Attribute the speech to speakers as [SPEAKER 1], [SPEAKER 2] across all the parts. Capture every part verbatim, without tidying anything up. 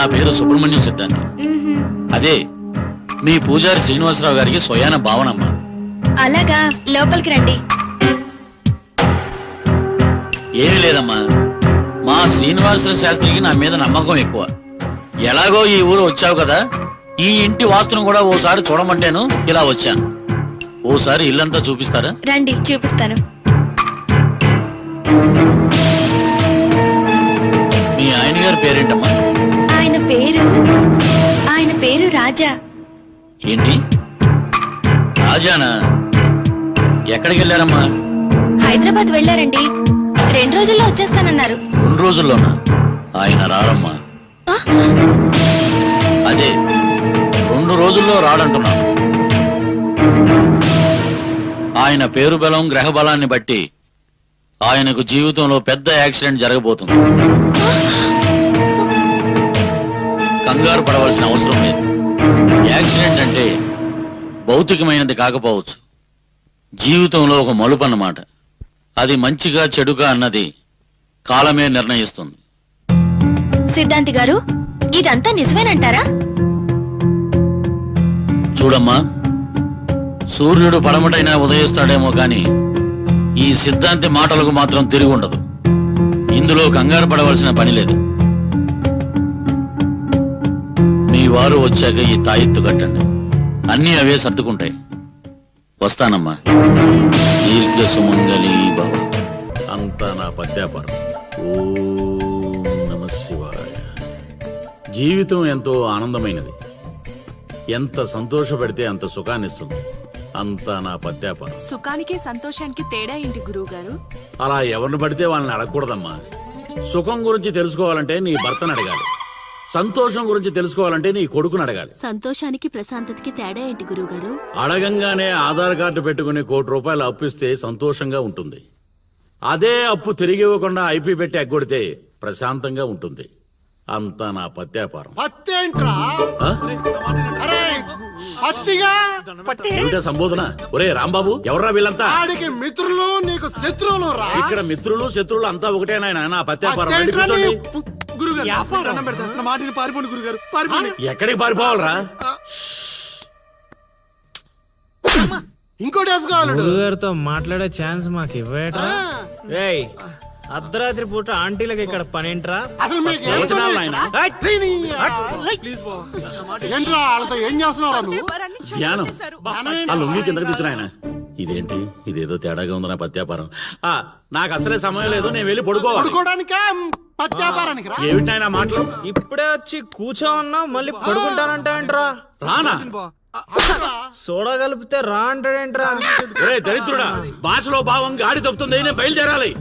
[SPEAKER 1] నా పేరు సుబ్రహ్మణ్యం సిద్ధాంతి. అదే మీ పూజారి శ్రీనివాసరావు గారికి స్వయాన భావనమ్మ.
[SPEAKER 2] అలాగా, లోపలికి రండి.
[SPEAKER 1] ఏమీ లేదమ్మా, మా శ్రీనివాసరావు శాస్త్రికి నా మీద నమ్మకం ఎక్కువ. ఎలాగో ఈ ఊరు వచ్చావు కదా, ఈ ఇంటి వాస్తును కూడా ఓసారి చూడమంటేను ఇలా వచ్చాను. ఓసారి ఇల్లంతా చూపిస్తారా?
[SPEAKER 2] రండి, చూపిస్తాను.
[SPEAKER 1] మీ ఆయన గారి పేరేంటమ్మా?
[SPEAKER 2] ఆయన పేరు ఆయన పేరు రాజా.
[SPEAKER 1] ఏంటి రాజానా? ఎక్కడికి వెళ్ళారమ్మా?
[SPEAKER 2] హైదరాబాద్ వెళ్ళారండి. రెండు రోజుల్లో వచ్చేస్తానన్నారు.
[SPEAKER 1] రెండు రోజుల్లోనా? ఆయన రారమ్మా.
[SPEAKER 2] ఆ?
[SPEAKER 1] అదే రెండు రోజుల్లో రాడంటున్నాను. ఆయన పేరు బలం గ్రహ బలాన్ని బట్టి ఆయనకు జీవితంలో పెద్ద యాక్సిడెంట్ జరగబోతుంది. కంగారు పడవలసిన అవసరం లేదు. యాక్సిడెంట్ అంటే భౌతికమైనది కాకపోవచ్చు, జీవితంలో ఒక మలుపు అన్నమాట. అది మంచిగా చెడుగా అన్నది కాలమే నిర్ణయిస్తుంది.
[SPEAKER 2] సిద్ధాంతి గారు, ఇదంతా నిజమేనంటారా?
[SPEAKER 1] చూడమ్మా, సూర్యుడు పడమటైనా ఉదయిస్తాడేమో గాని ఈ సిద్ధాంతి మాటలకు మాత్రం తిరిగి ఉండదు. ఇందులో కంగారు పడవలసిన పని లేదు. మీ వారు వచ్చాక ఈ తాయెత్తు కట్టండి, అన్నీ అవే సర్దుకుంటాయి. వస్తానమ్మా. దీర్ఘ సుమంగళీ భవ. అంతా నా పద్యాపారం. ఓం నమః శివాయ. జీవితం ఎంతో ఆనందమైనది. ఎంత సంతోషపెడితే అంత సుఖాన్నిస్తుంది. అంతా నా పద్యాపారం.
[SPEAKER 3] సుఖానికి సంతోషానికి తేడా ఏంటి గురువు గారు?
[SPEAKER 1] అలా ఎవరిని పడితే వాళ్ళని అడగకూడదమ్మా. సుఖం గురించి తెలుసుకోవాలంటే నీ భర్తను అడగాలి, సంతోషం గురించి తెలుసుకోవాలంటే నీ కొడుకుని అడగాలి.
[SPEAKER 3] సంతోషానికి ప్రశాంతతకి తేడా ఏంటి గురువు గారు?
[SPEAKER 1] అడగంగానే ఆధార్ కార్డు పెట్టుకుని కోటి రూపాయలు అప్పిస్తే సంతోషంగా ఉంటుంది. అదే అప్పు తిరిగి ఇవ్వకుండా ఐపీ పెట్టి ఎగ్గొడితే ప్రశాంతంగా ఉంటుంది. అంతా నా పత్యాపారం. ఏమిటా సంబోధన? ఒరే రాంబాబు, ఎవర్రా వీళ్ళంతా?
[SPEAKER 4] మిత్రులు నీకు శత్రువులు రా.
[SPEAKER 1] ఇక్కడ మిత్రులు శత్రువులు అంతా ఒకటే నాయనా. నా పత్యాపారం.
[SPEAKER 4] మాటిని పారిపోండి గురుగారు.
[SPEAKER 1] ఎక్కడికి పారిపోవాలరా?
[SPEAKER 4] ఇంకోటి వేసుకోవాలి.
[SPEAKER 5] గురుగారితో మాట్లాడే ఛాన్స్ మాకు ఇవ్వటరా? రేయ్, అర్ధరాత్రి పూట ఆంటీలకు ఇక్కడ పనేంట్రా?
[SPEAKER 4] అసలు మీకు ఏం
[SPEAKER 1] వచనాలు నాయనా?
[SPEAKER 4] ఏంట్రా వాళ్ళతో ఏం చేస్తున్నారా నువ్వు?
[SPEAKER 1] ధ్యానం. ఆ లొంగి కిందకి తెచ్చిన ఆయన. ఇదేంటి, ఇదేదో తేడాగా ఉంది నా పత్యాపారం. ఆ నాకు అసలే సమయం లేదు, నేను వెళ్ళి పడుకోవాలి.
[SPEAKER 4] పడుకోవడానికా పత్యాపారానికి రా.
[SPEAKER 1] ఏమిటి ఆయన మాటలు?
[SPEAKER 5] ఇప్పుడే వచ్చి కూర్చో అన్నా మళ్ళీ పడుకుంటానంటావేంట్రా?
[SPEAKER 1] రానా?
[SPEAKER 5] సోడా కలిపితే రా అంటాడేంట్రా?
[SPEAKER 1] ఒరే దరిద్రుడా, భాషలో భావం గాడి తప్పుతుంది. నేను బయలుదేరాలి.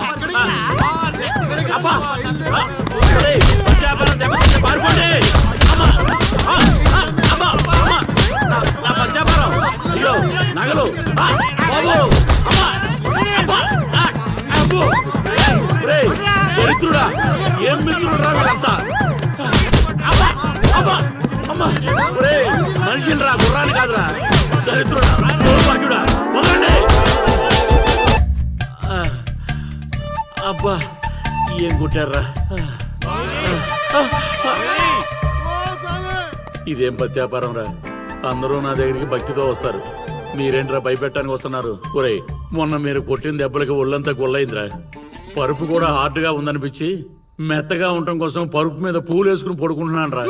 [SPEAKER 1] అబ్బా! ఒరేయ్, పత్యాపారం దెబ్బతింటే పారిపోండి. అమ్మా! ఆ! ఆ! అమ్మా! అమ్మా! నా నా పత్యాపారం. అయ్యో, నగలు. ఆ! బాబు! అమ్మా! అబ్బా! ఆ! అబ్బో! ఒరేయ్, దరిద్రుడా, ఏం మిత్రుడురా వీళ్ళంతా? అబ్బా! అబ్బా! అమ్మా! ఒరేయ్, మనిషిని రా, గుర్రాన్ని కాదురా. దరిద్రుడా, దౌర్భాగ్యుడా, వదలండి. అబ్బా, ఏం కుట్టారా? ఇదేం పత్యాపారం రా? అందరూ నా దగ్గరికి భక్తితో వస్తారు, మీరేంట్రా భయపెట్టడానికి వస్తున్నారు? ఒరేయ్, మొన్న మీరు కొట్టిన దెబ్బలకి ఒళ్ళంతా గుల్లైందిరా. పరుపు కూడా హార్డ్ గా ఉందనిపించి మెత్తగా ఉండటం కోసం పరుపు మీద పూలు వేసుకుని పడుకుంటున్నాను రా.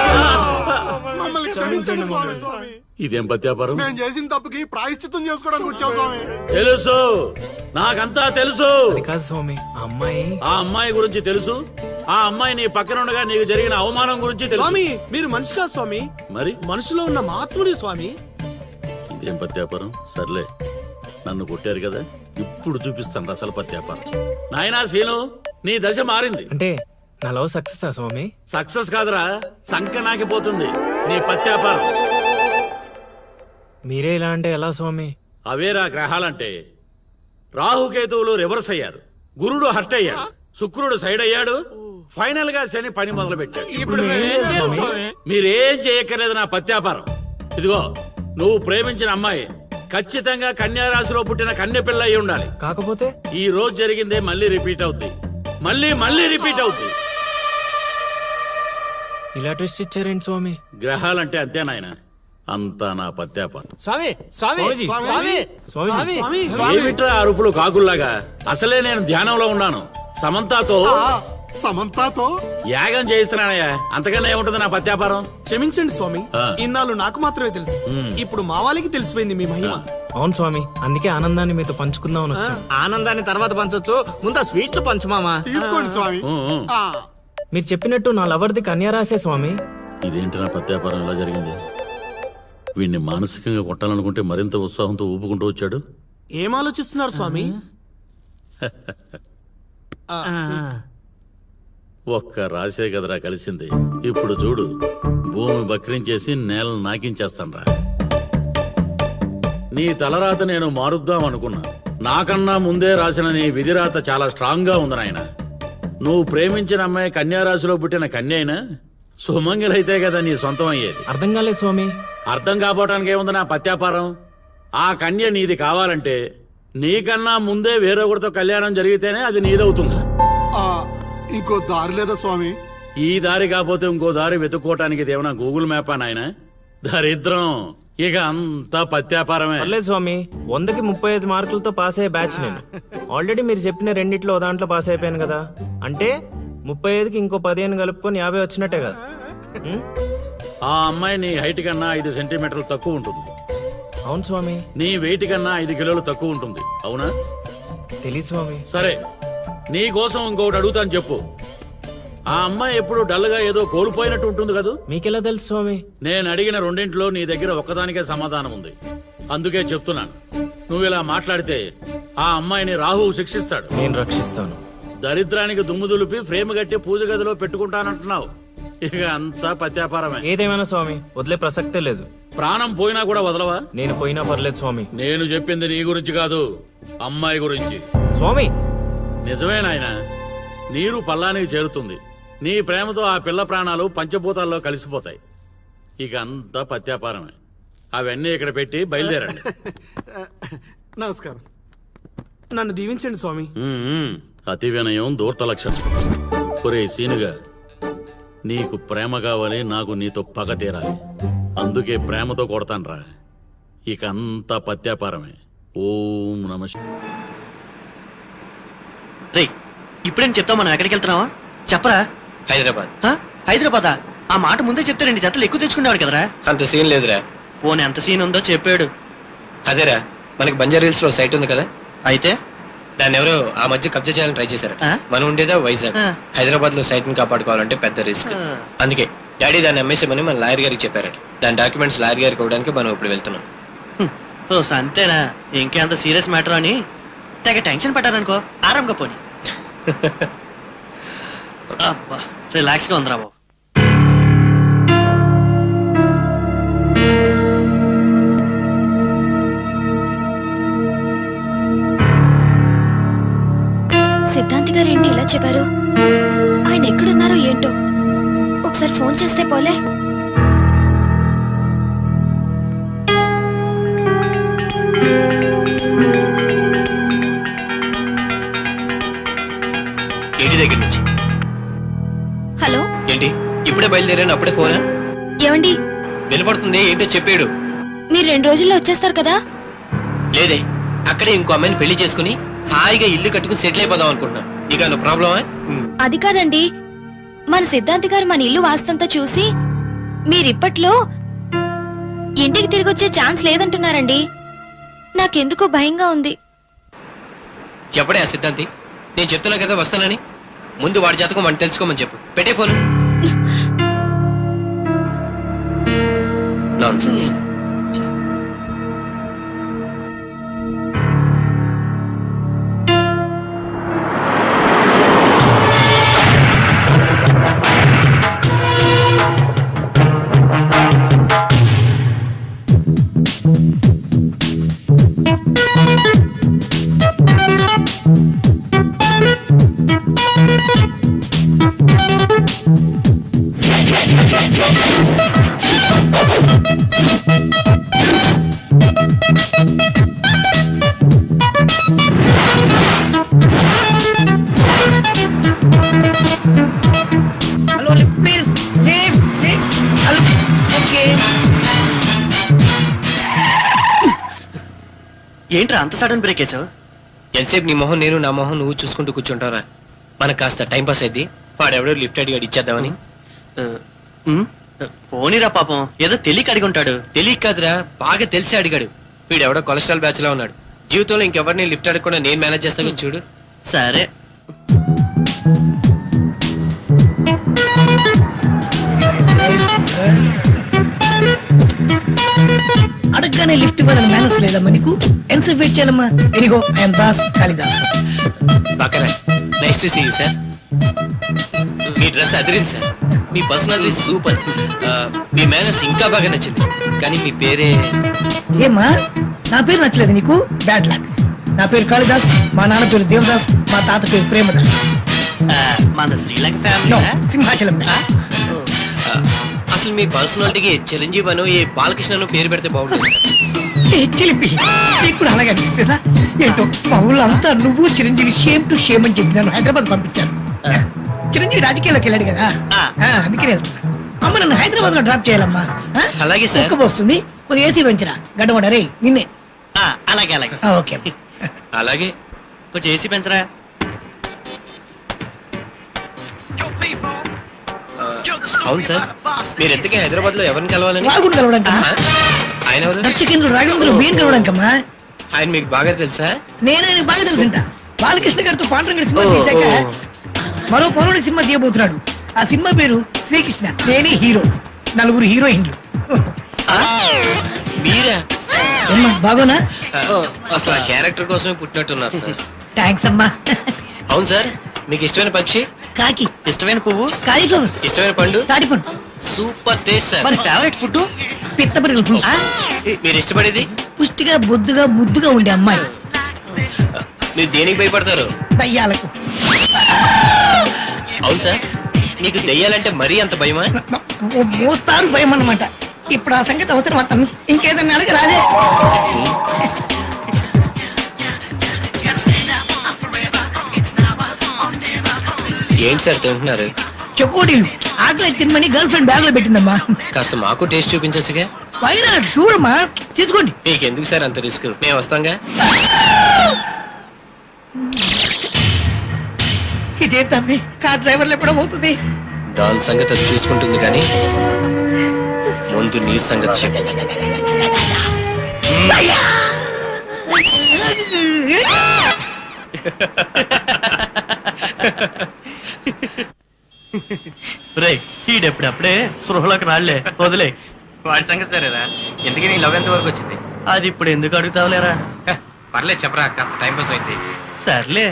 [SPEAKER 1] ఇదేం పత్యాపారం?
[SPEAKER 4] మేము చేసిన తప్పుకి ప్రాయశ్చిత్తం చేసుకోవడానికి వచ్చావు స్వామి.
[SPEAKER 1] తెలుసు, నాకంతా తెలుసు.
[SPEAKER 5] కాదు స్వామి, ఆ అమ్మాయి
[SPEAKER 1] ఆ అమ్మాయి గురించి తెలుసు. ఆ అమ్మాయి నీ పక్కన ఉండగా నీకు జరిగిన అవమానం గురించి తెలుసు.
[SPEAKER 4] స్వామి, మీరు మనిషి కాదు స్వామి,
[SPEAKER 1] మరి
[SPEAKER 4] మనసులో ఉన్న మహాత్ముడి స్వామి.
[SPEAKER 1] ఇదేం పత్యాపారం? సర్లే, నన్ను కొట్టారు కదా, ఇప్పుడు చూపిస్తాను అసలు పత్యాపారం. నాయనా సీను, నీ దశ మారింది.
[SPEAKER 5] అంటే నా లవ్ సక్సెస్ ఆ స్వామి?
[SPEAKER 1] సక్సెస్ కాదురా, సంక నాకిపోతుంది నీ పత్యాపారం.
[SPEAKER 5] మీరే ఇలా అంటే ఎలా స్వామి?
[SPEAKER 1] అవేరా గ్రహాలంటే. రాహుకేతువులు రివర్స్ అయ్యారు, గురుడు హర్ట్ అయ్యాడు, శుక్రుడు సైడ్ అయ్యాడు, ఫైనల్ గా శని పని మొదలు పెట్టాడు. మీరేం చేయక్కర్లేదు నా పత్యాపారం. ఇదిగో, నువ్వు ప్రేమించిన అమ్మాయి ఖచ్చితంగా కన్యారాశిలో పుట్టిన కన్య పిల్ల అయి ఉండాలి.
[SPEAKER 5] కాకపోతే
[SPEAKER 1] ఈ రోజు జరిగిందే మళ్ళీ రిపీట్ అవుద్ది, మళ్ళీ మళ్ళీ రిపీట్ అవుద్ది.
[SPEAKER 5] ఇలా ట్విస్ట్ ఇచ్చారేంటి స్వామి?
[SPEAKER 1] గ్రహాలంటే అంతే నాయన, అంతా నా పత్యాపారం.
[SPEAKER 6] స్వామి స్వామి
[SPEAKER 5] స్వామీజీ,
[SPEAKER 6] స్వామి
[SPEAKER 5] స్వామి
[SPEAKER 4] స్వామి
[SPEAKER 1] ఏమిట్రా అరుపులు కాకుల్లాగా? అసలే నేను ధ్యానంలో ఉన్నాను. సమంతాతో
[SPEAKER 4] ఆ, సమంతాతో
[SPEAKER 1] యాగం చేయిస్తున్నానయ్యా, అంతకన్నా ఏముంటుంది నా పత్యాపారం?
[SPEAKER 4] క్షమించండి స్వామి,
[SPEAKER 1] ఆ.
[SPEAKER 4] ఇన్నాళ్ళు నాకు మాత్రమే తెలుసు. ఇప్పుడు మా వాళ్ళకి తెలిసిపోయింది మీ మహిమ.
[SPEAKER 5] అవును స్వామి, అందుకే ఆనందాన్ని మీతో పంచుకుందామని వచ్చాం.
[SPEAKER 6] ఆనందాన్ని తర్వాత పంచొచ్చు, ముందు ఆ స్వీట్లు పంచు మామా.
[SPEAKER 4] తీసుకోండి స్వామి.
[SPEAKER 1] ఊ, ఊ.
[SPEAKER 4] ఆ,
[SPEAKER 5] మీరు చెప్పినట్టు నా లవర్ది కన్యారాసే స్వామి.
[SPEAKER 1] ఇదేంటి నా పత్యాపారం ఇలా జరిగింది? వీడిని మానసికంగా కొట్టాలనుకుంటే మరింత ఉత్సాహంతో ఊపుకుంటూ వచ్చాడు.
[SPEAKER 4] ఏం ఆలోచిస్తున్నారు స్వామి?
[SPEAKER 1] ఒక్క రాసే కదరా కలిసింది. ఇప్పుడు చూడు, భూమి బక్రించేసి నేలను నాకించేస్తాన్రా. నీ తలరాత నేను మారుద్దాం అనుకున్నా. నాకన్నా ముందే రాసిన నీ విధిరాత చాలా స్ట్రాంగ్ గా ఉంది నాయన. నువ్వు ప్రేమించిన అమ్మాయి కన్యారాశిలో పుట్టిన కన్య అయినా సుమంగిలైతే కదా నీ సొంతం అయ్యేది.
[SPEAKER 5] అర్థం కాలేదు స్వామి.
[SPEAKER 1] అర్థం కాపోవటానికి ఏముంది నా పత్యాపారం? ఆ కన్య నీది కావాలంటే నీకన్నా ముందే వేరొకరితో కళ్యాణం జరిగితేనే అది నీదవుతుంది.
[SPEAKER 4] ఆ, ఇంకో దారి లేదా స్వామి?
[SPEAKER 1] ఈ దారి కాకపోతే ఇంకో దారి వెతుక్కోవటానికి ఇదేమన్నా గూగుల్ మ్యాపా నాయన? దరిద్రం. ఇక అంతా పత్యాపారమే.
[SPEAKER 5] పర్లేదు స్వామి, వందకి ముప్పై ఐదు మార్కులతో పాస్ అయ్యే బ్యాచ్ నేను. ఆల్రెడీ మీరు చెప్పిన రెండిట్లో ఓ దాంట్లో పాస్ అయిపోయాను కదా. అంటే ముప్పై ఐదుకి ఇంకో పదిహేను కలుపుకొని యాభై వచ్చినట్టే కదా. ఉం?
[SPEAKER 1] ఆ అమ్మాయి నీ హైట్ కన్నా ఐదు సెంటీమీటర్లు తక్కువ ఉంటుంది.
[SPEAKER 5] అవును స్వామి.
[SPEAKER 1] నీ వెయిట్ కన్నా ఐదు కిలోలు తక్కువ ఉంటుంది. అవునా?
[SPEAKER 5] తెలియదు స్వామి.
[SPEAKER 1] సరే, నీ కోసం ఇంకొకటి అడుగుతాను, చెప్పు. ఆ అమ్మాయి ఎప్పుడు డల్గా ఏదో కోల్పోయినట్టు ఉంటుంది కదూ?
[SPEAKER 5] మీకెలా తెలుసు స్వామి?
[SPEAKER 1] నేను అడిగిన రెండింటిలో నీ దగ్గర ఒక్కదానికే సమాధానం ఉంది. అందుకే చెప్తున్నాను, నువ్వు ఇలా మాట్లాడితే ఆ అమ్మాయిని రాహువు శిక్షిస్తాడు.
[SPEAKER 5] నేను రక్షిస్తాను.
[SPEAKER 1] దరిద్రానికి దుమ్ము దులిపి ఫ్రేమ్ కట్టి పూజ గదిలో పెట్టుకుంటానంటున్నావు. ఇక అంతా పత్యాపారమే.
[SPEAKER 5] ఏదేమైనా స్వామి, వదిలే ప్రసక్తే లేదు.
[SPEAKER 1] ప్రాణం పోయినా కూడా వదలవా?
[SPEAKER 5] నేను పోయినా పర్లేదు స్వామి.
[SPEAKER 1] నేను చెప్పింది నీ గురించి కాదు, అమ్మాయి గురించి.
[SPEAKER 5] స్వామి,
[SPEAKER 1] నిజమే నాయన, నీరు పల్లానికి చేరుతుంది. నీ ప్రేమతో ఆ పిల్ల ప్రాణాలు పంచభూతాల్లో కలిసిపోతాయి. ఇక అంతా పత్యాపారమే. అవన్నీ ఇక్కడ పెట్టి బయలుదేరండి.
[SPEAKER 4] నమస్కారం. నన్ను దీవించండి స్వామి.
[SPEAKER 1] ఉమ్మ్. అతి వినయం దూర్త లక్షణం. ఒరే సీనుగా, నీకు ప్రేమ కావాలి, నాకు నీతో పగ తీరాలి. అందుకే ప్రేమతో కొడతాన్రా. ఇక అంతా పత్యాపారమే. ఓం నమ శివాయ.
[SPEAKER 7] రే, ఇప్పుడేం చెప్తావు? మనం ఎక్కడికి వెళ్తున్నావా? చెప్పరా.
[SPEAKER 8] హైదరాబాద్.
[SPEAKER 7] హ? హైదరాబాదా? ఆ మాట ముందే చెప్తే రెండు జతలు ఎక్కువ తెచ్చుకునేవాడు కదరా.
[SPEAKER 8] అంత సీన్ లేదురా.
[SPEAKER 7] పోనీ ఎంత సీన్ ఉందో చెప్పాడు.
[SPEAKER 8] అదేరా, మనకి బంజారా హిల్స్ లో సైట్ ఉంది కదా,
[SPEAKER 7] అయితే
[SPEAKER 8] దాన్ని ఎవరో ఆ మధ్య కబ్జా చేయాలని ట్రై చేశారు.
[SPEAKER 7] ఆ?
[SPEAKER 8] మనం ఉండేదా వైజాగ్.
[SPEAKER 7] ఆ.
[SPEAKER 8] హైదరాబాద్ లో సైట్ ని కాపాడుకోవాలంటే పెద్ద రిస్క్.
[SPEAKER 7] ఆ.
[SPEAKER 8] అందుకే డాడీ దాన్ని అమ్మేసామని మన లాయర్ గారికి చెప్పారట. దాని డాక్యుమెంట్స్ లాయర్ గారికి ఇవ్వడానికి మనం ఇప్పుడు వెళ్తున్నాం.
[SPEAKER 7] హ్మ్. ఓ అంతేనా? ఇంకేంత సీరియస్ మ్యాటర్ అని తెగ టెన్షన్ పడ్డారనుకో. ఆరాంగా పోనీ. అబ్బా, రిలాక్స్ గా ఉందిరా బాబు.
[SPEAKER 2] సిద్ధాంతి గారు ఏంటి ఇలా చెప్పారు? ఆయన ఎక్కడున్నారో ఏంటో. ఒకసారి ఫోన్ చేస్తే పోలే.
[SPEAKER 8] ఏంటి దగ్గర నుంచి?
[SPEAKER 2] హలో,
[SPEAKER 8] ఏంటి ఇప్పుడే బయలుదేరాను, అప్పుడే ఫోనా?
[SPEAKER 2] ఏమండి?
[SPEAKER 8] వినపడుతుంది, ఏంటో చెప్పాడు.
[SPEAKER 2] మీరు రెండు రోజుల్లో వచ్చేస్తారు కదా?
[SPEAKER 8] లేదే, అక్కడే ఇంకో అమ్మాయిని పెళ్లి చేసుకుని హాయిగా ఇల్లు కట్టుకుని సెటిల్ అయిపోదాం అనుకుంటున్నాను. నీకు ప్రాబ్లమా?
[SPEAKER 2] అది కాదండి, మన సిద్ధాంతి గారు మన ఇల్లు వాస్తంతా చూసి మీరిప్పట్లో ఇంటికి తిరిగి వచ్చే ఛాన్స్ లేదంటున్నారండి. నాకెందుకో భయంగా ఉంది.
[SPEAKER 8] చెప్పడే ఆ సిద్ధాంతి, నేను చెప్తున్నా కదా వస్తానని. ముందు వాడి జాతకం వాడిని తెలుసుకోమని చెప్పు. పెట్టే ఫోన్. నాన్సెన్స్.
[SPEAKER 2] Thank you.
[SPEAKER 7] ఏంట్రా అంత సడన్ బ్రేక్ వేసావు?
[SPEAKER 8] ఎంతసేపు నీ మొహం నేను నా మొహం నువ్వు చూసుకుంటూ కూర్చుంటారా? మనకు కాస్త టైం పాస్ అయింది. వాడెవడో లిఫ్ట్ అడిగాడు ఇచ్చేద్దామని.
[SPEAKER 7] పోనీరా పాపం, ఏదో తెలియక అడిగి ఉంటాడు.
[SPEAKER 8] తెలియక కాదురా, బాగా తెలిసి అడిగాడు. వీడెవడో కొలెస్ట్రాల్ బ్యాచ్ లో ఉన్నాడు. జీవితంలో ఇంకెవరిని లిఫ్ట్ అడగకుండా నేను మేనేజ్ చేస్తాను చూడు.
[SPEAKER 7] సరే
[SPEAKER 9] అడగగానే లిఫ్ట్ ఇవ్వాలని మేనస్ లేదమ్మా నీకు? ఎంతసేపు వెయిట్ చేయాలమ్మా? ఇదిగో ఐఎమ్ దాస్ కాళిదాస్.
[SPEAKER 8] పక్కన nice to see you sir. మీ డ్రెస్ అదిరింది సార్. మీ పర్సనాలిటీ సూపర్. మీ మేనర్స్ ఇంకా బాగా నచ్చింది. కానీ మీ పేరే
[SPEAKER 9] ఏమ్మా నా పేరు నచ్చలేదు నీకు? Bad luck. నా పేరు కాళిదాస్, మా నాన్న పేరు దేవదాస్, మా తాత పేరు ప్రేమదాస్.
[SPEAKER 7] ఆ, మన శ్రీలంక
[SPEAKER 9] No,
[SPEAKER 7] ఫ్యామిలీ.
[SPEAKER 9] సింహాచలం.
[SPEAKER 8] ఆ, అసలు మీ పర్సనాలిటీకి చిరంజీవి అను ఏ బాలకృష్ణను పేరు పెడితే బాగుంటుంది.
[SPEAKER 9] ఏ చిలిపి, నీకు కూడా అలాగే అనిపిస్తుందా? ఏంటో మా ఊళ్ళో అంతా నువ్వు చిరంజీవి షేమ్ టు షేమ్ అని చెప్పి నన్ను హైదరాబాద్ పంపించాను. చిరంజీవి రాజకీయాల్లోకి వెళ్ళాడు కదా,
[SPEAKER 7] ఆ.
[SPEAKER 9] ఆ, అందుకని వెళ్తున్నా. అమ్మ నన్ను హైదరాబాద్ లో డ్రాప్ చేయాలమ్మా. ఆ?
[SPEAKER 8] అలాగే సార్.
[SPEAKER 9] కుక్క వస్తుంది, కొంచెం ఏసీ పెంచరా. గడ్డమడరే నిన్నే.
[SPEAKER 7] ఆ, అలాగే అలాగే.
[SPEAKER 9] ఆ, ఓకే.
[SPEAKER 8] అలాగే
[SPEAKER 7] కొంచెం ఏసీ పెంచరా.
[SPEAKER 8] ఆ, అవును సార్, మీరు ఎంతకీ హైదరాబాద్ లో ఎవరిని కలవాలని?
[SPEAKER 9] రాగుడు కలవడానికమ్మా.
[SPEAKER 8] ఆ? ఆయన ఎవరు?
[SPEAKER 9] దర్శకేంద్రుడు రాఘవేంద్రుడు బియ్యం కలవడానికమ్మా.
[SPEAKER 8] ఆయన మీకు బాగా తెలుసా?
[SPEAKER 9] నేనే నీకు బాగా తెలుసుంట. బాలకృష్ణ గారితో పాండురంగడి సినిమా
[SPEAKER 8] ఓ,
[SPEAKER 9] తీశాక
[SPEAKER 8] ఓ.
[SPEAKER 9] మరో పౌరుడి సినిమా తీయబోతున్నాడు. ఆ సినిమా పేరు శ్రీకృష్ణ. నేనే హీరో, నలుగురు హీరోయిన్లు.
[SPEAKER 8] ఆ? మీరా?
[SPEAKER 9] ఏమ్మా బాగోనా?
[SPEAKER 8] ఆ, అసలు ఆ క్యారెక్టర్ కోసమే పుట్టినట్టున్నారు సార్.
[SPEAKER 9] థ్యాంక్స్ అమ్మా.
[SPEAKER 8] అవును సార్, మీకు ఇష్టమైన పక్షి?
[SPEAKER 9] కాకి.
[SPEAKER 7] ఇష్టమైన పువ్వు?
[SPEAKER 9] కాలీఫ్లవర్.
[SPEAKER 8] ఇష్టమైన పండు?
[SPEAKER 9] తాటిపండు.
[SPEAKER 8] Super taste sir.
[SPEAKER 7] మరి ఫేవరెట్ ఫుడ్?
[SPEAKER 9] పిత్తపరిగలు పులుసు.
[SPEAKER 8] ఆ? మీరు ఇష్టపడేది?
[SPEAKER 9] పుష్టిగా బొద్దుగా ముద్దుగా ఉండే అమ్మాయి.
[SPEAKER 8] మీరు దేనికి భయపడతారు?
[SPEAKER 9] దయ్యాలకు.
[SPEAKER 8] అవును సార్, మీకు దెయ్యాలంటే మరీ అంత భయమా?
[SPEAKER 9] ఓ మోస్తారు భయం అన్నమాట. ఇప్పుడు ఆ సంగతి అవసరం అతను ఇంకేదన్నా అడగ రాదే.
[SPEAKER 8] ఏంటి సార్ తింటున్నారు?
[SPEAKER 9] చెకోడీలు ఆకలి తినమని గర్ల్ ఫ్రెండ్ బ్యాగ్ లో పెట్టిందమ్మా.
[SPEAKER 8] కాస్త మాకు టేస్ట్ చూపించచ్చుగా?
[SPEAKER 9] పైన చూడమ్మా, తీసుకోండి.
[SPEAKER 8] మీకు ఎందుకు సార్ అంత రిస్క్? మేము వస్తాంగా.
[SPEAKER 9] ఇదే తమ్మి కార్ డ్రైవర్లు ఎప్పుడో అవుతుంది.
[SPEAKER 8] దాని సంగతి అది చూసుకుంటుంది కానీ ముందు నీ సంగతి చెప్పు.
[SPEAKER 7] రే ఈడెప్పుడప్పుడే స్పృహలోకి రాళ్లే, వదిలే.
[SPEAKER 8] వాడి సంగతి సరేరా. ఎందుకని నీ లవ్ ఎంత వరకు వచ్చింది?
[SPEAKER 7] అది ఇప్పుడు ఎందుకు అడుగుతావులేరా?
[SPEAKER 8] హ, పర్లేదు చెప్పరా, కాస్త టైం పాస్ అయింది.
[SPEAKER 7] సర్లే.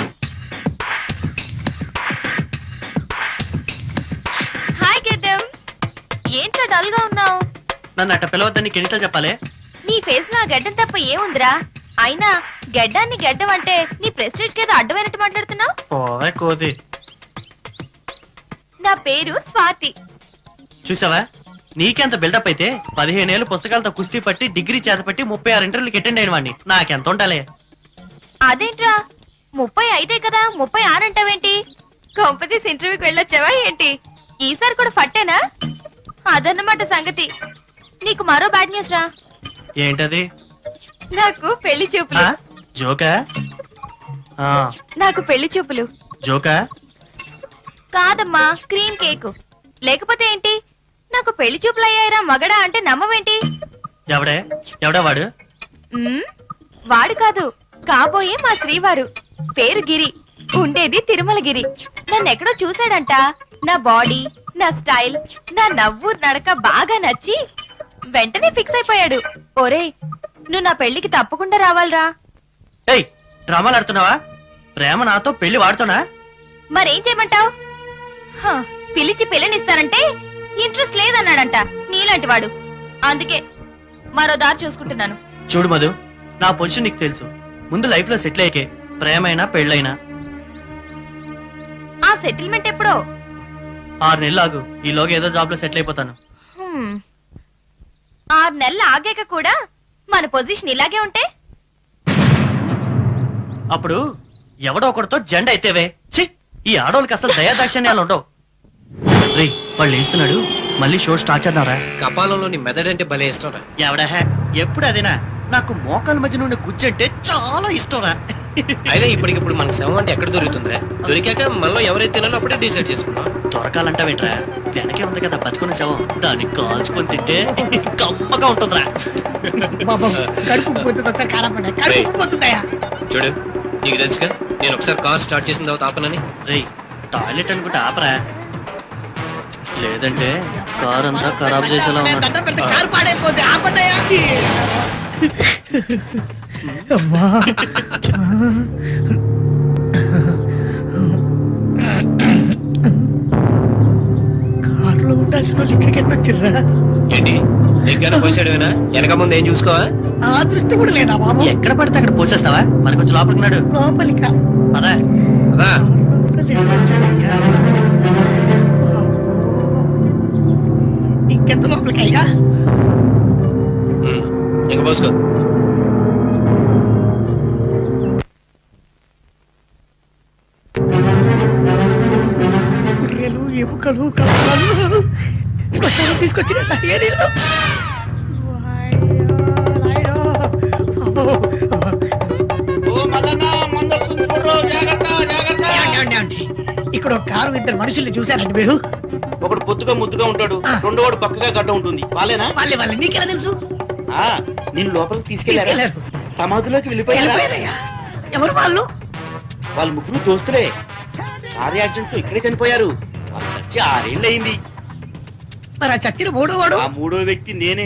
[SPEAKER 2] హాయ్ గెడ్డం. ఏంట్రా డల్ గా ఉన్నావు?
[SPEAKER 7] నన్ను అట్ట పిలవద్దని నీకు ఎన్నిసార్లు చెప్పాలి?
[SPEAKER 2] నీ ఫేస్ లో ఆ గడ్డం తప్ప ఏముందిరా? అయినా గడ్డాన్ని గడ్డం అంటే నీ ప్రెస్టేజ్ కేదో అడ్డమైనట్టు మాట్లాడుతున్నావు.
[SPEAKER 7] పోవే కోది.
[SPEAKER 2] నా పేరు స్వాతి.
[SPEAKER 7] చూసావా, నీకెంత బిల్డప్ అయితే పదిహేనేళ్ళు పుస్తకాలతో కుస్తీ పట్టి డిగ్రీ చేతపట్టి ముప్పై ఆరు ఇంటర్వ్యూలకి అటెండ్ అయిన వాడిని. నాకెంత ఉండాలి?
[SPEAKER 2] అదేంట్రా, ముప్పై ఐదే కదా, ముప్పై ఆనంటావేంటి? కాంపిటీస్ ఇంటర్వ్యూకి వెళ్ళొచ్చావా ఏంటి? ఈసారి కూడా ఫట్టేనా? అదన్నమాట సంగతి. నీకు మరో బ్యాడ్ న్యూస్ రా.
[SPEAKER 7] ఏంటది?
[SPEAKER 2] నాకు పెళ్లి చూపులు.
[SPEAKER 7] ఆ? జోకా? ఆ,
[SPEAKER 2] నాకు పెళ్లి చూపులు
[SPEAKER 7] జోకా?
[SPEAKER 2] కాదమ్మా, క్రీమ్ కేక్. లేకపోతే ఏంటి? నాకు పెళ్లి చూపులు అయ్యాయిరా మగడా అంటే నమ్మవేంటి?
[SPEAKER 7] ఎవడే ఎవడా వాడు?
[SPEAKER 2] మ్మ్, వాడు కాదు, కాబోయే మా శ్రీవారు. పేరు గిరి, ఉండేది తిరుమల గిరి. నన్నెక్కడో చూశాడంట. నా బాడీ, నా స్టైల్, నా నవ్వు నడక బాగా నచ్చి వెంటనే ఫిక్స్ అయిపోయాడు. ఒరేయ్, నువ్వు నా పెళ్లికి తప్పకుండా రావాలిరా.
[SPEAKER 7] ఏయ్, డ్రామాలు ఆడుతున్నావా? ప్రేమ నాతో పెళ్లి వాడుతున్నా?
[SPEAKER 2] మరేం చేయమంటావు? పిలిచి పిల్లనిస్తానంటే ఇంట్రెస్ట్ లేదన్నాడంట నీలాంటి వాడు. అందుకే మరో దారి చూసుకుంటున్నాను.
[SPEAKER 7] చూడు మధు, నా పొజిషన్ నీకు తెలుసు. ముందు లైఫ్ లో సెటిల్ అయ్యకే ప్రేమైనా పెళ్ళైనా.
[SPEAKER 2] ఆ సెటిల్మెంట్ ఎప్పుడో?
[SPEAKER 7] ఆరు నెలలు ఆగు, ఈలోగా ఏదో జాబ్ లో సెటిల్ అయిపోతాను.
[SPEAKER 2] హ్మ్. ఆరు నెలలు ఆగాక కూడా మన పొజిషన్ ఇలాగే ఉంటే
[SPEAKER 7] అప్పుడు ఎవడో ఒకటితో జెండా అయితేవే. ఛీ, ఈ ఆడోళ్ళకి అసలు దయాదాక్షిణ్యాలు ఉండవు. రే, వాళ్ళు వేస్తున్నాడు, మళ్ళీ షో స్టార్ట్ చేద్దాంరా.
[SPEAKER 8] కపాలంలోని మెదడంటే భలే ఇష్టం రా.
[SPEAKER 7] ఎవడా ఎప్పుడు అదేనా? నాకు మోకాల మధ్య నుండి గుజ్జంటే చాలా ఇష్టం రా.
[SPEAKER 8] అయినా ఇప్పటికిప్పుడు మనకు శవం అంటే ఎక్కడ దొరుకుతుందిరా? దొరికాక మనలో ఎవరైతే తినాలో అప్పుడే డిసైడ్ చేసుకుంటాం.
[SPEAKER 7] దొరకాలంటావేంట్రా? వెనకే ఉంది కదా బతుకున్న శవం, దాన్ని కాల్చుకొని తింటే గమ్మగా ఉంటుందిరా.
[SPEAKER 9] బాబా కడుపు పోతుంది, ఒకసారి కారం పడ్డా కడుపు పోతుందయ్యా.
[SPEAKER 8] చూడు, నీకు తెలుసుగా నేను ఒకసారి కార్ స్టార్ట్ చేసిన తర్వాత ఆపనని.
[SPEAKER 7] రేయ్, టాయిలెట్ అనుకుంటే ఆపరా, లేదంటే కార్ అంతా ఖరాబ్ చేసేలా
[SPEAKER 9] నేను
[SPEAKER 7] ఉన్నాడు.
[SPEAKER 9] దండం పెడితే కారు పాడైపోద్ది, ఆపండయ్యా. అమ్మా. కారులో ఉండాల్సిన వాళ్ళు ఇక్కడికి ఎట్లా వచ్చిర్రా?
[SPEAKER 8] ఏంటి దగ్గర పోసాడువేనా? వెనక ముందు ఏం చూసుకోవా?
[SPEAKER 9] ఆ దృష్టి కూడా లేదా బాబు?
[SPEAKER 7] ఎక్కడ పడితే అక్కడ పోసేస్తావా? మరి కొంచెం లోపలికి నాడు
[SPEAKER 9] లోపలిక
[SPEAKER 7] అదా.
[SPEAKER 8] అదా
[SPEAKER 9] ఇంకెంత లోపలికి అయ్యా?
[SPEAKER 8] ఉమ్, ఇంక పోసుకో.
[SPEAKER 9] గుర్రెలు ఎముకలు కప్పలు శ్మశానం తీసుకొచ్చిన ఏరీలు. ఇక్కడ ఒక కారు ఇద్దరు మనుషుల్ని చూశారండి మీరు?
[SPEAKER 6] ఒకడు పొద్దుగా ముద్దుగా ఉంటాడు, రెండో వాడు పక్కగా గడ్డ ఉంటుంది. వాళ్ళేనా?
[SPEAKER 9] వాళ్ళే వాళ్ళే. నీకెలా తెలుసు?
[SPEAKER 6] ఆ, నేను లోపలికి తీసుకెళ్లారా?
[SPEAKER 9] తీసుకెళ్లారు.
[SPEAKER 6] సమాధిలోకి వెళ్ళిపోయారా?
[SPEAKER 9] వెళ్ళిపోయారయ్యా. ఎవరు వాళ్ళు?
[SPEAKER 6] వాళ్ళ ముగ్గురు దోస్తులే. కార్ యాక్సిడెంట్ లో ఇక్కడే చనిపోయారు. వాళ్ళు చచ్చి ఆరేళ్ళు అయింది.
[SPEAKER 9] మరి ఆ చచ్చిన మూడో వాడు?
[SPEAKER 6] ఆ మూడో వ్యక్తి నేనే.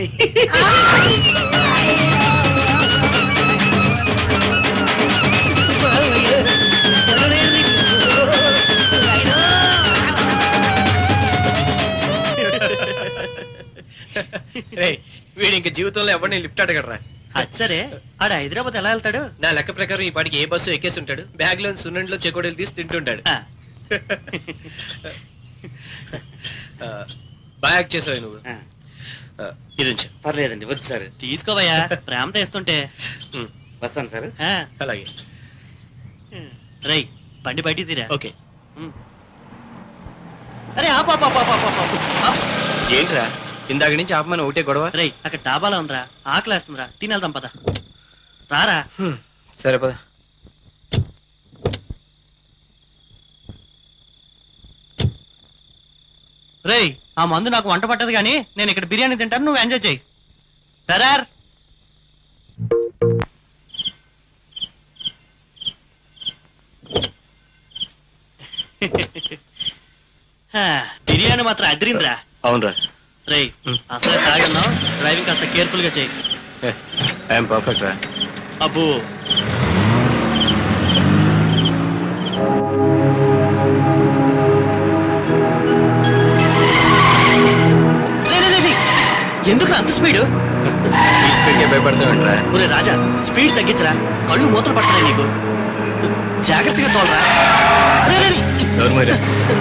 [SPEAKER 8] రేయ్, వీడు ఇంక జీవితంలో ఎవరిని లిఫ్ట్ అడగడరా.
[SPEAKER 7] అది సరే, ఆడ హైదరాబాద్ ఎలా వెళ్తాడు?
[SPEAKER 8] నా లెక్క ప్రకారం ఈ పాటికి ఏ బస్సు ఎక్కేసి ఉంటాడు, బ్యాగ్ లో సున్నండిలో చెకోడీలు తీసి తింటుంటాడు.
[SPEAKER 7] ఆ,
[SPEAKER 8] ఆ, బాగా యాక్ట్ చేసావు నువ్వు.
[SPEAKER 6] ఆ,
[SPEAKER 8] ఆ, ఇది ఉంచు.
[SPEAKER 6] పర్లేదండి, వద్దు సార్.
[SPEAKER 7] తీసుకోవయ్యా, ప్రేమతో ఇస్తుంటే.
[SPEAKER 8] ఉమ్,
[SPEAKER 6] వస్తాను సార్.
[SPEAKER 7] ఆ,
[SPEAKER 8] అలాగే.
[SPEAKER 7] రేయ్, బండి బయటికి తీరా.
[SPEAKER 8] ఓకే.
[SPEAKER 7] అరే ఆపు, ఆపు, ఆపు, ఆపు, ఆపు, ఆపు. ఆపు.
[SPEAKER 8] ఏంట్రా ఇందాక నుంచి ఆపమని ఒకటే గొడవ?
[SPEAKER 7] రేయ్, అక్కడ డాబాలో ఉందిరా, ఆకలేస్తుందిరా, తినేద్దాం పద. రారా.
[SPEAKER 8] హ్మ్, సరే పద.
[SPEAKER 7] రేయ్, ఆ మందు నాకు వంట పట్టదు కానీ నేను ఇక్కడ బిర్యానీ తింటాను, నువ్వు ఎంజాయ్ చేయి. సరార్. హా, బిర్యానీ మాత్రం అదిరిందిరా.
[SPEAKER 8] అవునరా.
[SPEAKER 7] రేయ్, అసలు తాగన్నావు, డ్రైవింగ్ కాస్త కేర్ఫుల్ గా చేయి.
[SPEAKER 8] ఐఎమ్ పర్ఫెక్ట్ రా.
[SPEAKER 7] అబ్బో, రేయ్, రేయ్, రేయ్, రేయ్. ఎందుకు అంత స్పీడ్?
[SPEAKER 8] ఈ స్పీడ్కే భయపడతావేంట్రా?
[SPEAKER 7] ఒరే రాజా, స్పీడ్ తగ్గించరా, కళ్ళు మూతలు పడుతున్నాయి నీకు. జాగ్రత్తగా తోలరా. రేయ్, రేయ్, రేయ్.
[SPEAKER 8] ఎవరు మరి?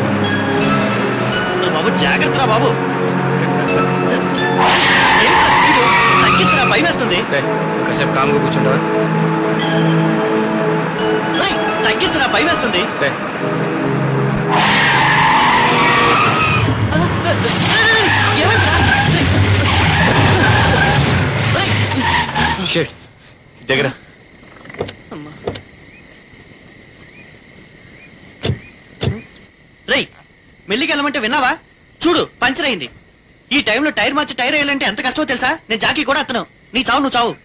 [SPEAKER 7] ఒరే బాబు, జాగ్రత్తరా బాబు. ఏంట్రా స్పీడ్? తగ్గించరా, భయం వేస్తుంది.
[SPEAKER 8] రేయ్, కాసేపు కామ్గా కూర్చుంటావా?
[SPEAKER 7] రేయ్, తగ్గించరా, భయం వేస్తుంది.
[SPEAKER 8] రేయ్,
[SPEAKER 7] రేయ్, ఏమైందిరా? రేయ్. రేయ్.
[SPEAKER 8] షిట్. దగ్గర
[SPEAKER 7] అమ్మా. రేయ్, మెల్లికి వెళ్ళమంటే విన్నావా? చూడు, పంచర్ అయింది. ఈ టైంలో టైర్ మార్చి టైర్ వేయాలంటే ఎంత కష్టమో తెలుసా? నేను జాకీ కూడా అత్తను. నీ చావు నువ్వు చావు.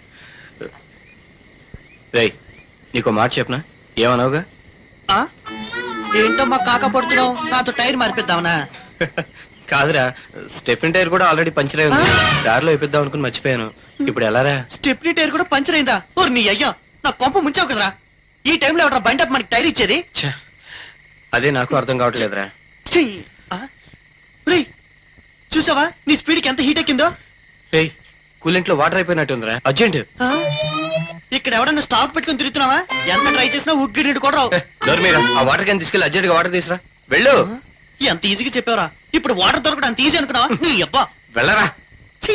[SPEAKER 8] రేయ్, నీకో మాట చెప్పనా? ఏమన్నావుగా?
[SPEAKER 7] ఆ? ఏంటమ్మా కాక పడుతున్నావు? నాతో టైర్ మార్పిద్దామనా?
[SPEAKER 8] కాదురా, స్టెఫిన్ టైర్ కూడా ఆల్రెడీ పంచర్ అయి ఉంది. దారిలో వేపిద్దాం అనుకుని మర్చిపోయాను. ఇప్పుడు ఎలారా?
[SPEAKER 7] స్టెప్నీ టైర్ కూడా పంచర్ అయిందా? ఓర్ నీ అయ్యా, నా కొంప ముంచావు కదరా. ఈ టైంలో ఎవడ బండి అప్ మనకి టైర్ ఇచ్చేది?
[SPEAKER 8] ఛే, అదే నాకు అర్థం కావట్లేదురా.
[SPEAKER 7] ఛీ! ఆ? రేయ్, చూసావా నీ స్పీడ్ కి ఎంత హీట్ ఎక్కిందో?
[SPEAKER 8] రేయ్, కూలింట్లో వాటర్ అయిపోయినట్టుందిరా, అర్జెంట్.
[SPEAKER 7] ఆ? ఇక్కడ ఎవడన్నా స్టాక్ పెట్టుకుని తిరుగుతున్నావా? ఎంత ట్రై చేసినా ఉగ్గి నీడు కూడా రావు.
[SPEAKER 8] డోర్ మీద ఆ వాటర్ క్యాన్ తీసుకెళ్ళి అర్జెంట్ గా వాటర్ తీసురా. వెళ్ళు.
[SPEAKER 7] ఎంత ఈజీగా చెప్పావరా? ఇప్పుడు వాటర్ దొరకడం అంత ఈజీ అనుకున్నావా? నీ అబ్బా.
[SPEAKER 8] వెళ్ళరా.
[SPEAKER 7] ఛీ!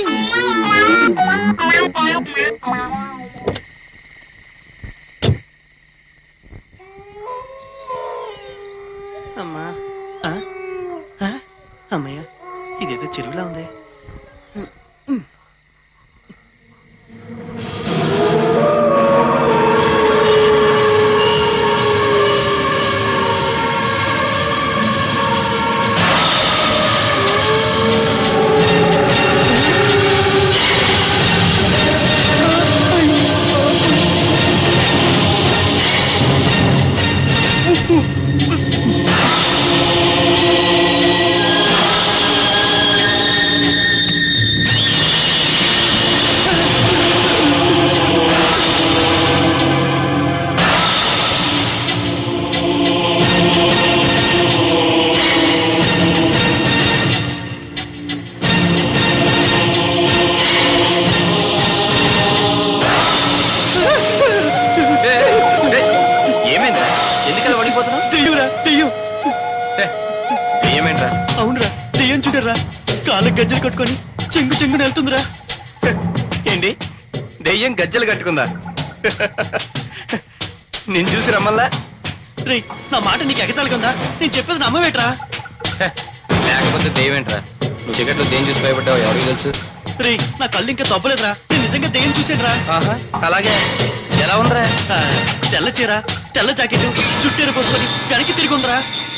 [SPEAKER 7] అమ్మా. ఆ? ఆ? అమ్మయ్య, ఇదేదో చెరువులా ఉంది. చూసారా కాళ్ళకి గజ్జలు కట్టుకొని చెంగు చెంగున వెళ్తుందిరా.
[SPEAKER 8] ఏంటి దెయ్యం గజ్జలు కట్టుకుందా? నేను చూసి రమ్మల్లా?
[SPEAKER 7] రే నా మాట నీకు ఎగతాలిగా ఉందా? నేను చెప్పేది నమ్మవేట్రా?
[SPEAKER 8] లేకపోతే దెయ్యం ఏంట్రా? నువ్వు చీకట్లో దేని చూసి భయపడ్డావు ఎవరికి తెలుసు?
[SPEAKER 7] రే నా కళ్ళు ఇంకా తప్పలేదురా, నేను నిజంగా దెయ్యం చూసానురా.
[SPEAKER 8] ఆహా అలాగే ఎలా ఉందిరా?
[SPEAKER 7] ఆ, తెల్ల చీర తెల్ల జాకెట్ చుట్టేరు పోసుకొని వెనక్కి తిరిగి ఉందిరా.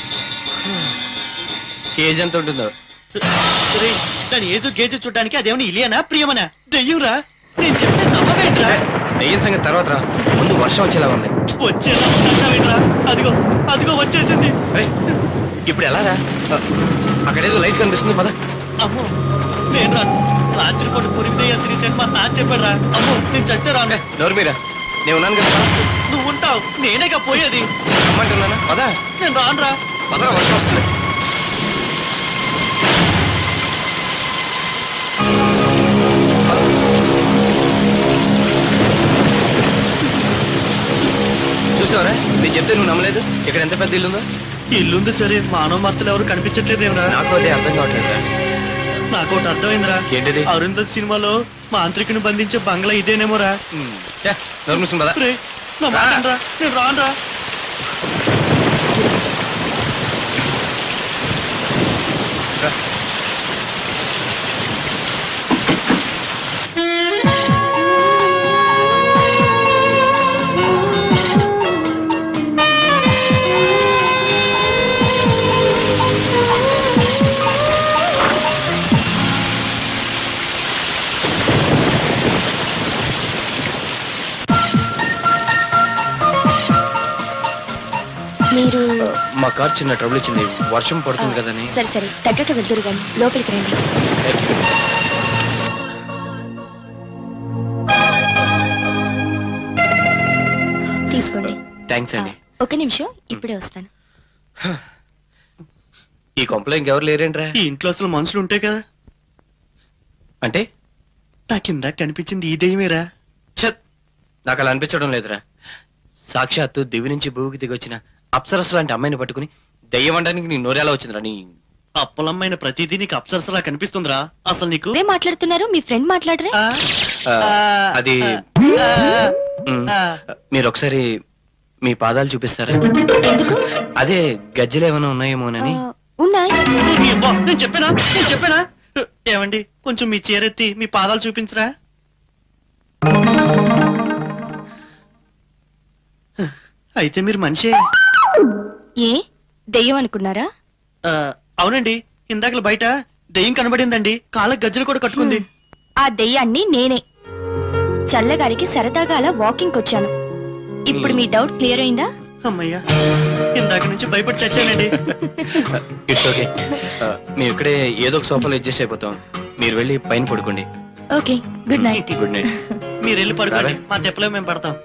[SPEAKER 8] కేజీ ఎంత ఉంటుందో?
[SPEAKER 7] రే దాని ఏజు గేజు చూడడానికి అదేమని ఇలియనా ప్రియమనా? దెయ్యంరా, నేను చెప్తే నమ్మవేట్రా?
[SPEAKER 8] దెయ్యం సంగతి తర్వాత రా, ముందు వర్షం వచ్చేలా ఉంది.
[SPEAKER 7] వచ్చేలా ఉందంటావేట్రా? అదిగో అదిగో వచ్చేసింది.
[SPEAKER 8] ఏయ్, ఇప్పుడు ఎలా రా? అక్కడేదో లైట్ కనిపిస్తుంది పద.
[SPEAKER 7] అమ్మో నేను రాను. రాత్రిపూట పురిమి దెయ్యాలు తిరిగితే మా నాన్న చెప్పాడురా. అమ్మో నేను చస్తే రాను.
[SPEAKER 8] నోరు మీరా, నేను ఉన్నాను కదా పద.
[SPEAKER 7] నువ్వు ఉంటావు, నేనేగా పోయేది.
[SPEAKER 8] రమ్మంటున్నానా? పద
[SPEAKER 7] నేను రానురా.
[SPEAKER 8] పదరా, వర్షం వస్తుంది. పద. చూసావరా, నేను చెప్తే నువ్వు నమ్మలేదు. ఇక్కడ ఎంత పెద్ద ఇల్లుందో.
[SPEAKER 7] ఇల్లుంది సరే, మానవ మార్తలు ఎవరు కనిపించట్లేదేమరా?
[SPEAKER 8] నాకు అదే అర్థం కావట్లేదురా.
[SPEAKER 7] నాకు ఒకటి అర్థమైందిరా.
[SPEAKER 8] ఏంటిది?
[SPEAKER 7] అరుంధత్ సినిమాలో మాంత్రికుని బంధించే బంగ్లా ఇదేనేమోరా.
[SPEAKER 8] ఏ, నోరు మూసుకుని పద.
[SPEAKER 7] రే నా మాట వినరా, నేను రానురా.
[SPEAKER 8] రా.
[SPEAKER 2] మీరు
[SPEAKER 8] మా కార్ చిన్న ట్రబుల్ ఇచ్చింది, వర్షం పడుతుంది కదని.
[SPEAKER 2] సరే సరే తగ్గక వెళ్తురు గాని లోపలికి రండి. తీసుకోండి.
[SPEAKER 8] థ్యాంక్స్ అండి.
[SPEAKER 2] ఒక నిమిషం ఇప్పుడే వస్తాను.
[SPEAKER 8] ఈ కొంపలో ఇంకెవరు లేరేంట్రా?
[SPEAKER 7] ఈ ఇంట్లో అసలు మనుషులు ఉంటే కదా.
[SPEAKER 8] అంటే
[SPEAKER 7] నా కింద కనిపించింది ఈ దెయ్యమేరా.
[SPEAKER 8] ఛత్, నాకు అలా అనిపించడం లేదురా. సాక్షాత్తు దివి నుంచి భూమికి దిగొచ్చిన అప్సరస్ లాంటి అమ్మాయిని పట్టుకుని దెయ్యం అనడానికి నీ నోరేలా వచ్చిందిరా? నీ
[SPEAKER 7] అప్పలమ్మైన ప్రతిదీ నీకు అప్సరసలా కనిపిస్తుందిరా. అసలు నీకు
[SPEAKER 2] ఏం మాట్లాడుతున్నారు? మీ ఫ్రెండ్ మాట్లాడరే?
[SPEAKER 7] ఆ,
[SPEAKER 8] ఆ,
[SPEAKER 7] ఆ,
[SPEAKER 8] అది
[SPEAKER 7] ఆ,
[SPEAKER 8] మ్,
[SPEAKER 7] ఆ.
[SPEAKER 8] మీరు ఒకసారి మీ పాదాలు చూపిస్తారా?
[SPEAKER 2] ఎందుకు?
[SPEAKER 8] అదే గజ్జలు ఏమైనా ఉన్నాయేమోనని.
[SPEAKER 2] ఆ, ఉన్నాయి.
[SPEAKER 7] నీ అబ్బా, నేను చెప్పానా నేను చెప్పానా? ఏమండి కొంచెం మీ చీరెత్తి మీ పాదాలు చూపించరా. అయితే మీరు మనిషే.
[SPEAKER 2] ఏ దెయ్యం అనుకున్నారా?
[SPEAKER 7] ఆ, అవునండి, ఇందాకల బయట దెయ్యం కనబడిందండి. కాళ్ళకి గజ్జలు కూడా కట్టుకుంది.
[SPEAKER 2] ఆ దెయ్యాన్ని నేనే. చల్లగారికి సరదాగా అలా వాకింగ్ వచ్చాను. ఇప్పుడు మీ డౌట్ క్లియర్ అయిందా?
[SPEAKER 7] అమ్మయ్యా, ఇందాక నుంచి భయపడి చచ్చానండి.
[SPEAKER 8] It's okay. మేము ఇక్కడే ఏదో ఒక సోఫాలో అడ్జస్ట్ అయిపోతాం. మీరు వెళ్ళి పైన పడుకోండి.
[SPEAKER 2] Okay, good night.
[SPEAKER 8] Good night.
[SPEAKER 7] మీరు వెళ్ళి పడుకోండి,
[SPEAKER 8] రారా?
[SPEAKER 7] మా తెప్పలో మేము పడతాం.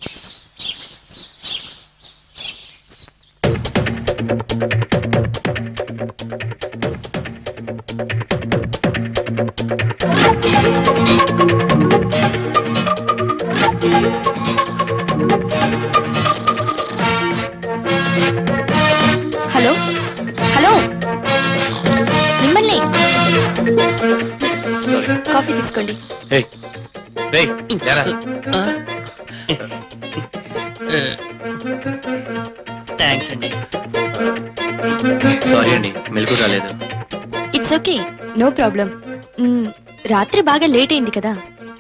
[SPEAKER 2] హలో హలో, మిమ్మల్ని. కాఫీ తీసుకోండి.
[SPEAKER 8] ఏయ్, ఏయ్, లేరా.
[SPEAKER 7] ఆ? థ్యాంక్స్ అండి.
[SPEAKER 8] సారీ అండి, మెలకు రాలేదు.
[SPEAKER 2] It's okay, no problem. రాత్రి బాగా లేట్ అయింది కదా.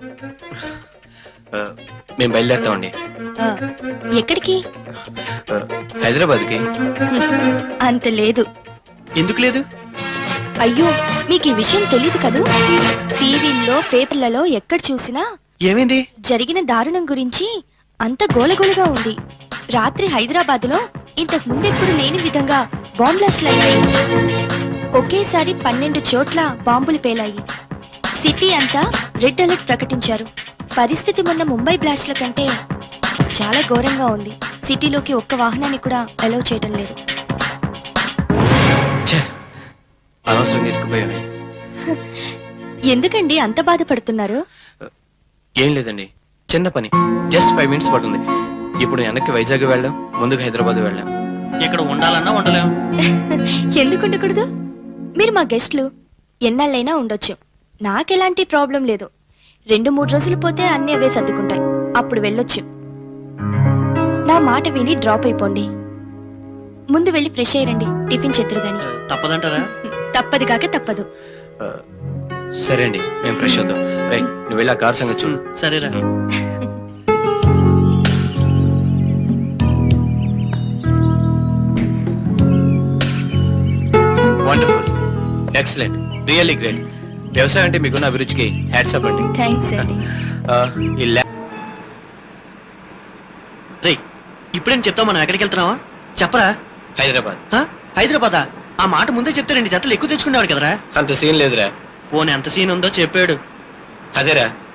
[SPEAKER 8] ఆ, మేము బయలుదేరుతామండి.
[SPEAKER 2] ఆ, ఎక్కడికి?
[SPEAKER 8] ఆ, హైదరాబాద్కి.
[SPEAKER 2] అంత లేదు.
[SPEAKER 7] ఎందుకు లేదు?
[SPEAKER 2] అయ్యో, మీకు ఈ విషయం తెలీదు కదూ. టీవీల్లో పేపర్లలో ఎక్కడ చూసినా
[SPEAKER 7] ఏమైంది?
[SPEAKER 2] జరిగిన దారుణం గురించి అంత గోలగోలగా ఉంది. రాత్రి హైదరాబాద్లో ఇంతకు ముందెప్పుడు లేని విధంగా బాంబ్ బ్లాస్ట్లు అయ్యాయి. ఒకేసారి పన్నెండు చోట్ల బాంబులు పేలాయి. సిటీ అంతా రెడ్ అలర్ట్ ప్రకటించారు. పరిస్థితి మొన్న ముంబై బ్లాస్ట్ల కంటే చాలా ఘోరంగా ఉంది. సిటీలోకి ఒక్క వాహనాన్ని కూడా అలౌ చేయడం లేదు.
[SPEAKER 8] ఛే, అనవసరంగా ఇరుక్కుపోయాను.
[SPEAKER 2] ఎందుకండి అంత బాధపడుతున్నారు?
[SPEAKER 8] ఏం లేదండి, చిన్న పని, జస్ట్ ఫైవ్ మినిట్స్ పడుతుంది. ఇప్పుడు వెనక్కి వైజాగ్ వెళ్ళాం, ముందుకు హైదరాబాద్ వెళ్ళాం.
[SPEAKER 7] ఇక్కడ ఉండాలన్నా ఉండలేం.
[SPEAKER 2] ఎందుకు ఉండకూడదు? మీరు మా గెస్ట్లు ఎన్నాళ్ళైనా ఉండొచ్చు నాకెలాంటి ప్రాబ్లం లేదు. రెండు మూడు రోజులు పోతే అన్నీ అవే సర్దుకుంటాయి. అప్పుడు వెళ్ళొచ్చు. నా మాట విని డ్రాప్ అయిపోండి. ముందు వెళ్ళి ఫ్రెష్ అయ్యండి. టిఫిన్ చేద్దరు గాని.
[SPEAKER 7] తప్పదంటారా?
[SPEAKER 2] తప్పదు కాక తప్పదు.
[SPEAKER 8] ఆ, సరే అండి మేము ఫ్రెష్ అవుతాం. రై నువ్వు వెళ్ళి ఆ కార్ సంగతి చూడు.
[SPEAKER 7] సరేరా.
[SPEAKER 8] Wonderful, excellent, really great. వ్యవసాయం అంటే మీకున్న అభిరుచికి హ్యాట్స్ అప్ అండి.
[SPEAKER 2] థ్యాంక్స్ అండి.
[SPEAKER 8] ఆ, ఈ ల్యా-
[SPEAKER 7] రే ఇప్పుడేం చెప్తావు, మనం ఎక్కడికి వెళ్తున్నావా చెప్పరా?
[SPEAKER 8] హైదరాబాద్.
[SPEAKER 7] హ? హైదరాబాదా? ఆ మాట ముందే చెప్తే రెండు జతలు ఎక్కువ తెచ్చుకునేవాడు కదరా.
[SPEAKER 8] అంత సీన్ లేదురా.
[SPEAKER 7] పోనీ ఎంత సీన్ ఉందో చెప్పాడు.
[SPEAKER 8] అదేరా